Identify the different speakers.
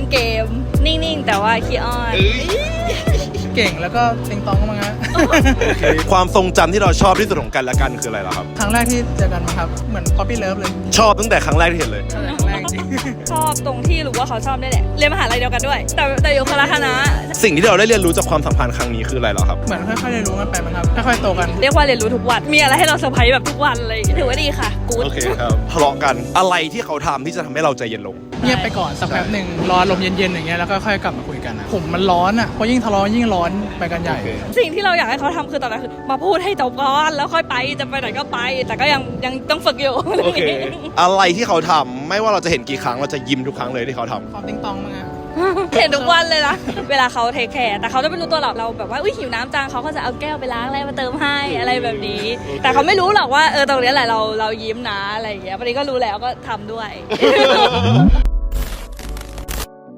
Speaker 1: เกมนิ่งๆแต่ว่าขี้อ้อน
Speaker 2: เก่งแล้วก็ติงตองมั้งฮะ
Speaker 3: ความทรงจำที่เราชอบที่สุดของกันและกันคืออะไรล่ะครับ
Speaker 2: ครั้งแรกที่เจอกันมั้งครับเหมือน Puppy Love เลย
Speaker 3: ชอบตั้งแต่ครั้งแรกที่เห็นเลย
Speaker 2: ครั้งแรกจริง
Speaker 1: ชอบตรงที่รู้ว่าเขาชอบได้แหละเรียนมหาลัยเดียวกันด้วย แต่อยู่คนละคณะ
Speaker 3: สิ่งที่เราได้เรียนรู้จากความสัมพันธ์ครั้งนี้คืออะไรเหรอครับ
Speaker 2: เหมือนค่อยๆเรียนรู้กันไปมั้งครับค่อยๆโตกัน
Speaker 1: เรียกว่าเรียนรู้ทุกวันมีอะไรให้เราเซอร์ไพรส์แบบทุกวันเลยถือว่าดีค่ะกู๊ด
Speaker 3: โอเคครับทะเลาะกันอะไรที่เขาทำที่จะทำให้เราใจเย็นลง
Speaker 2: เงียบไปก่อนสักแป๊บหนึ่งรอลมเย็นๆอย่างเงี้ยแล้วก็ค่อยกลับมาคุยกันนะผมมันร้อนอ่ะเพราะยิ่งทะเลาะยิ่งร้อนไปกันใหญ่
Speaker 3: โอเค
Speaker 1: สิ่งที่เราอยากให้เขาทำคือตอนนั้นคือมาพูดให้จบก่อนแล้วค่อยไปจะไปไหนก็ไป แต่ก็ยังต้องฝึกอยู่
Speaker 3: โอเค อะไรที่เขาทำไม่ว่าเราจะเห็นกี่ครั้งเราจะยิ้มทุกครั้งเลยที่เขาทำ
Speaker 2: ความติงตองมั้งฮะ
Speaker 1: เห็นทุกวันเลยนะเวลาเขาเทคแคร์แต่เขาจะไม่รู้ตัวหรอกเราแบบว่าอุ้ยหิวน้ำจังเขาก็จะเอาแก้วไปล้างอะไรมาเติมให้อะไรแบบนี้ แต่เขาไม่รู้หรอกว่าตรงนี้แหละเรายิ้มนะอะไรอย่างเงี้ยวันนี้ก็รู้แล้วก็ทำด้วย